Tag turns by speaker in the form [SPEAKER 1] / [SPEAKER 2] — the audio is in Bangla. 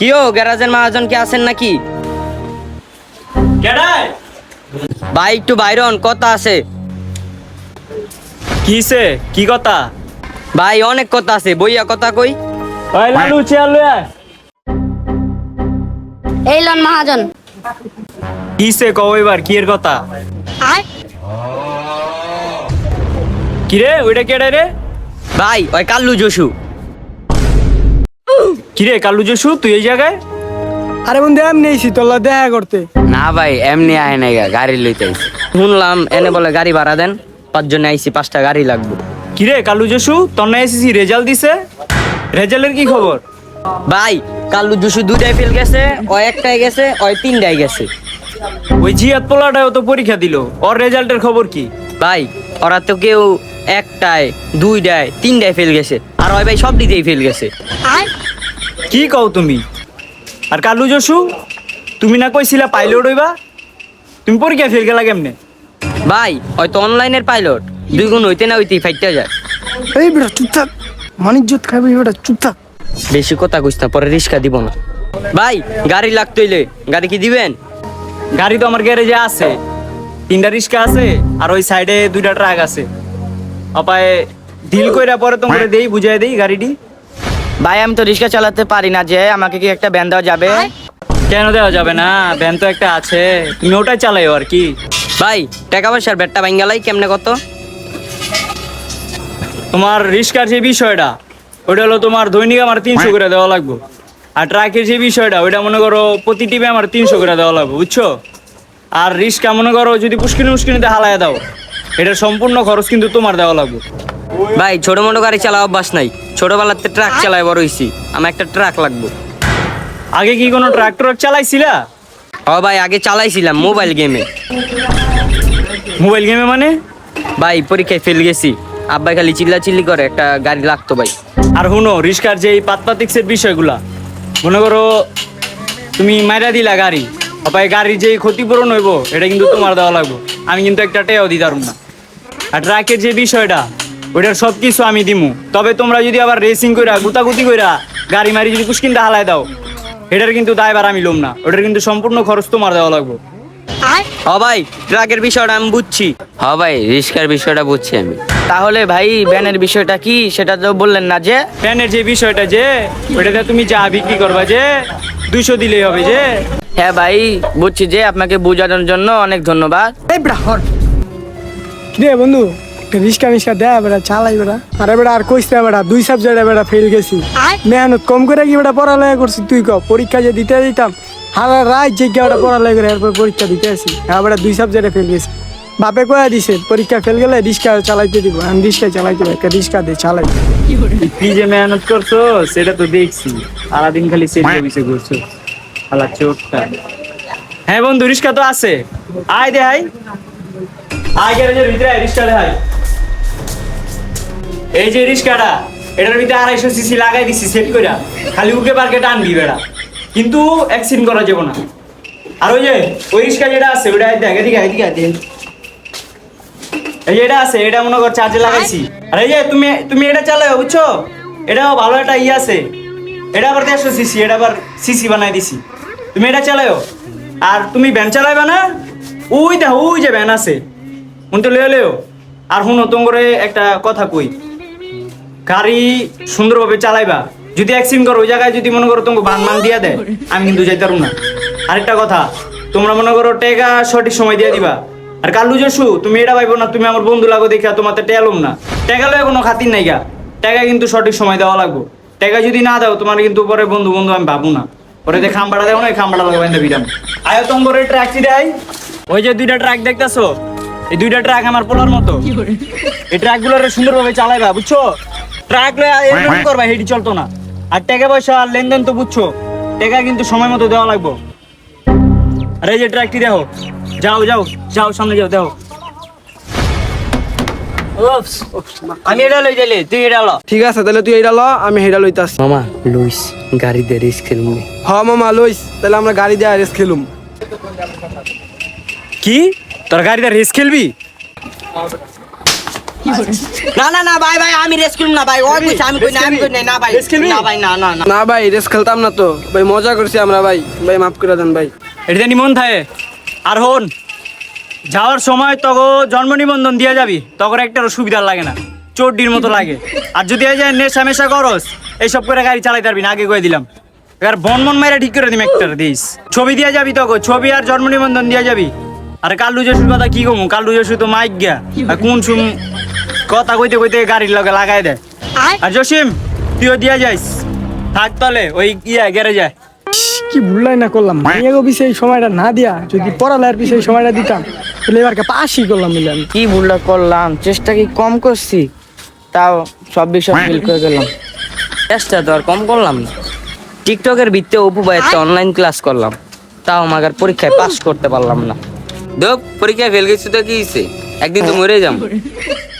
[SPEAKER 1] কিও গ্যারাজের মহাজন কি আছেন নাকি?
[SPEAKER 2] কেডাই
[SPEAKER 1] ভাই একটু বাইরন কথা আছে।
[SPEAKER 2] কিসে কি কথা?
[SPEAKER 1] ভাই অনেক কথা আছে, বইয়া কথা কই।
[SPEAKER 2] ওই লালু চেয়ার লয়ে আয়।
[SPEAKER 3] এই লন মহাজন।
[SPEAKER 2] কিসে কও এবার কি এর কথা?
[SPEAKER 3] আয়
[SPEAKER 2] কি রে ওইটা কেডাই রে?
[SPEAKER 1] ভাই ওই কাল্লু জসু।
[SPEAKER 2] কি রে কালু জসু তুই এই জায়গায়?
[SPEAKER 4] আরে বন্ধু এমনি এসি তোলা দেখা করতে।
[SPEAKER 1] না ভাই এমনি আয় নাই গা, গাড়ি লইতে আইছি। শুনলাম এনে বলে গাড়ি ভাড়া দেন, 5 জন আইছি, 5টা গাড়ি লাগবে।
[SPEAKER 2] কি রে কালু জসু তোর না এসেছি রেজাল্ট দিছে, রেজাল্টের কি খবর?
[SPEAKER 1] ভাই কাল্লু জসু 2টায় ফেল গেছে, ও 1টায় গেছে, ওই 3টায় গেছে।
[SPEAKER 2] ওই জিয়াত পোলাটাও তো পরীক্ষা দিল, ওর রেজাল্টের খবর কি?
[SPEAKER 1] ভাই ওরা তো কেউ 1টায় 2টায় 3টায় ফেল গেছে, আর ওই ভাই সব দিতেই ফেল গেছে।
[SPEAKER 3] আয়
[SPEAKER 2] কি কও তুমি? আর কালু জসু তুমি না কইছিলা পাইলট হইবা, তুমি পরীক্ষা ফেল গেলা কেমনে?
[SPEAKER 1] ভাই হয়তো অনলাইনের পাইলট 2 গুণ হইতে না হইতেই ফাইটটা যায়।
[SPEAKER 4] এই বেটা চুপ থাক, মানিজ্জত খাবি বেটা চুপ থাক।
[SPEAKER 1] বেশি কথা কইস না, পরে রিস্কা দিব না। ভাই গাড়ি লাগতইলে গাড়ি কি দিবেন?
[SPEAKER 2] গাড়ি তো আমার গ্যারেজে আছে, 3টা রিক্সা আছে আর ওই সাইডে 2টা ট্রাক আছে। অপায় ডিল কইরা পরে তোমারে দেই, বুঝাই দেই গাড়িটি।
[SPEAKER 1] ভাই আমি তো রিক্সা চালাতে পারি না, যে আমাকে কি একটা ভ্যান দেওয়া যাবে?
[SPEAKER 2] কেন দেওয়া যাবে না? ভ্যান তো একটা আছে, তুমি ওটাই চালাইও আর কি।
[SPEAKER 1] ভাই টাকা পয়সার ব্যাটটা ভাঙ্গালাই কেমনে কত?
[SPEAKER 2] তোমার রিক্সার যে বিষয়টা ওইটা হলো তোমার দৈনিক আমার 300 করে দেওয়া লাগবে। আর ট্রাকের যে বিষয়টা ওইটা মনে করো প্রতি টিপে আমার 300 করে দেওয়া লাগবে, বুঝছো? আর রিক্সা মনে করো যদি পুষ্কিনিতে হালায় দাও, এটার সম্পূর্ণ খরচ কিন্তু তোমার দেওয়া লাগবে।
[SPEAKER 1] ভাই ছোট মোটো গাড়ি চালা অভ্যাস নাই, ছোটবেলাতে ট্রাক চালায় বড় হইছি, আমার একটা ট্রাক লাগবে।
[SPEAKER 2] আগে কি কোনো ট্রাক্টর চালাইছিলা?
[SPEAKER 1] ও ভাই আগে চালাইছিলাম মোবাইল গেমে।
[SPEAKER 2] মোবাইল গেমে মানে?
[SPEAKER 1] ভাই পরীক্ষায় ফেল গেছি, আব্বাই খালি চিল্লাচিল্লি করে, একটা গাড়ি লাগতো ভাই।
[SPEAKER 2] আর হুনো রিক্সার যে পাতপাতিক্সের বিষয়গুলা মনে করো তুমি মাইরা দিলা গাড়ি, অপায় গাড়ির যে ক্ষতিপূরণ হইব এটা কিন্তু তোমার দেওয়া লাগবে, আমি কিন্তু একটা টেয়াও দিতে পারবো না। আর ট্রাকের যে বিষয়টা ওইটার সব কিছু আমি দিমু, তবে তোমরা যদি আবার রেসিং কইরা গুতাগুতি কইরা গাড়ি মারি যদি পুষ্কিনটা হালায় দাও, এটার কিন্তু দায়ভার আমি লম না, ওটার কিন্তু সম্পূর্ণ খরচ তোমার দেওয়া লাগবে।
[SPEAKER 3] আয়
[SPEAKER 1] হ ভাই ট্রাকের বিষয়টা আমি বুঝছি। হ ভাই রিস্কার বিষয়টা বুঝছি আমি। তাহলে ভাই ভ্যানের বিষয়টা কি সেটা তো বললেন না যে?
[SPEAKER 2] ফ্যানের যে বিষয়টা যে ওইটাতে তুমি যা বিক্রি করবা যে 200 দিলেই হবে যে।
[SPEAKER 1] হ্যাঁ ভাই বুঝছি, যে আপনাকে বোঝানোর জন্য অনেক ধন্যবাদ।
[SPEAKER 4] এই বেটা হর কিরে বন্ধু, রিক্সা মিস্কা দেয় বেটা চালাই বেটা। আরে বেটা আর কইস না বেটা, 2 সাবজেক্টে বেটা ফেল গেছি।
[SPEAKER 3] আয়
[SPEAKER 4] মেহনত কম করে কি বেটা পড়ালেখা করছি তুই কও? পরীক্ষা যে দিতে দিতাম হারা রাত যে বেটা পড়ালেখা করে এরপর পরীক্ষা দিতে আসি, হ্যাঁ বেটা 2 সাবজেক্টে ফেল গেছি। বাপে কয়া দিছে পরীক্ষা ফেল গেলে রিক্সা চালাইতে দিব, আমি রিক্সা চালাইতে একটা রিক্সা দিয়ে চালাই।
[SPEAKER 2] কি যে মেহনত করছো সেটা তো দেখছি, সারাদিন খালি সেট অফিসে ঘুরছো শালা চোরটা। হ্যাঁ বন্ধু রিক্সা তো আছে, আয় দে আয় আয় গ্যারেজের ভিতরে আয়, রিক্সা দে আয়। এই যে রিক্সাটা এটার ভিতরে 250 সিসি লাগাই দিছি সেট কইরা, খালি উকে পার্কে টানবি বেড়া, কিন্তু অ্যাক্সিডেন্ট করা যাবে না। আর ওই যে ওই রিক্সা যেটা আছে ওটা দেখ, এদিকে এদিকে দেখ, এই যে এটা আছে এটা মনে কর চার্জে লাগাইছি। আর এই যে তুমি এটা চালাও, বুঝছো? এটাও ভালো একটা ই আছে, এটা আবার 150 সিসি, এটা আবার সিসি বানাই দিছি, তুমি এটা চালাও। আর তুমি ভ্যান চালাইবা না? ওই দেখো ওই যে ভ্যান আছে, উনতে লয়ে লেও। আর শুনো তোমার একটা কথা কই, গাড়ি সুন্দরভাবে চালাইবা, যদি অ্যাক্সিডেন্ট করো ওই জায়গায় যদি মনে করো তোমাকে বান দিয়া দেয়, আমি কিন্তু যাইতে পারবো না। আরেকটা কথা, তোমরা মনে করো টাকা সঠিক সময় দিয়ে দিবা। আর কালু জসু তুমি এটা ভাইবো না তুমি আমার বন্ধু লাগো দেখা তোমার টেলুম না, টাকা লয়ে কোনো খাতির নাই গা, টাকা কিন্তু সঠিক সময় দেওয়া লাগবে। টাকা যদি না দাও তোমার কিন্তু পরে বন্ধু বন্ধু আমি ভাবো না, পরে যে খাম্বাড়া দেবো না, এই খাম্বাড়া লাগাবেন বিরাম। আয়ো তোমার ট্রাকটি দেয়, ওই যে 2টা ট্রাক দেখতেছো, এই 2টা ট্রাক আমার পোলার মতো, এই ট্রাকগুলোর সুন্দরভাবে চালাইবা, বুঝছো? ট্রাক লয়ে এরকম করবা, হেডি চলতো না। আর টাকা পয়সা আর লেনদেন তো বুঝছো, টাকা কিন্তু সময় মতো দেওয়া লাগবে। আর এই যে ট্রাকটি দেখো, যাও যাও যাও সামনে যাও দেখো।
[SPEAKER 1] আমি এটা লই যাইলে তুই এটা ল।
[SPEAKER 4] ঠিক আছে তাহলে তুই এইটা ল, আমি হেডা লইতাছি।
[SPEAKER 1] মামা লুইস গাড়ি দিয়ে রিস্ক খেলুম।
[SPEAKER 4] হ মামা লইস, তাহলে আমরা গাড়ি দিয়ে রেস খেলুম।
[SPEAKER 2] কি তোর গাড়িতে রেস খেলবি?
[SPEAKER 1] না না না ভাই ভাই আমি রেস্ট করব না ভাই ওই কইছে আমি কই না আমি কই না ভাই
[SPEAKER 2] Rest খেলবি?
[SPEAKER 1] না ভাই না না না
[SPEAKER 5] না ভাই রেস খেলতাম না তো ভাই, মজা করছি আমরা ভাই, ভাই মাফ করে দেন ভাই।
[SPEAKER 2] এটা নিমন থাকে আর হন যাওয়ার সময় তগো জন্ম নিবন্ধন দিয়ে যাবি তখন একটা সুবিধা লাগে না, চোরডির মতো লাগে। আর যদি এই যে নেশা মেশা করস এইসব করে গাড়ি চালাইতে পারবি না, আগে কয়ে দিলাম। এবার বন মাইরা ঠিক করে দিম একটা দিস, ছবি দিয়ে যাবি তগো, ছবি আর জন্ম নিবন্ধন দিয়ে যাবি। আর কাল্লু জসুর কথা কি কমু, কাল্লু জসু তো মাইক গিয়া আর কোন সুম কথা কইতে কইতে গাড়ির লগে লাগাই দেয়।
[SPEAKER 3] আয়
[SPEAKER 2] আর জসিম তুইও দিয়া যাইস, থাক তলে ওই গেরে যায়।
[SPEAKER 4] কি ভুললাই না করলাম, মাইয়াগো পিছে এই সময়টা না দিয়া যদি পড়ালেখার পিছে এই সময়টা দিতাম তাহলে এবারকে পাশই করলাম মিলে আমি।
[SPEAKER 1] কি ভুলটা করলাম, চেষ্টা কি কম করছি? তাও সব বিষয় ফিল করে গেলাম, চেষ্টা তো আর কম করলাম না। টিকটকের ভিত্তিতে অপু ভাই একটা অনলাইন ক্লাস করলাম, তাও আমাকে আর পরীক্ষায় পাস করতে পারলাম না। দেখ পরীক্ষায় ফেল গেছি তো কি হইছে, একদিন তো মরে যাম।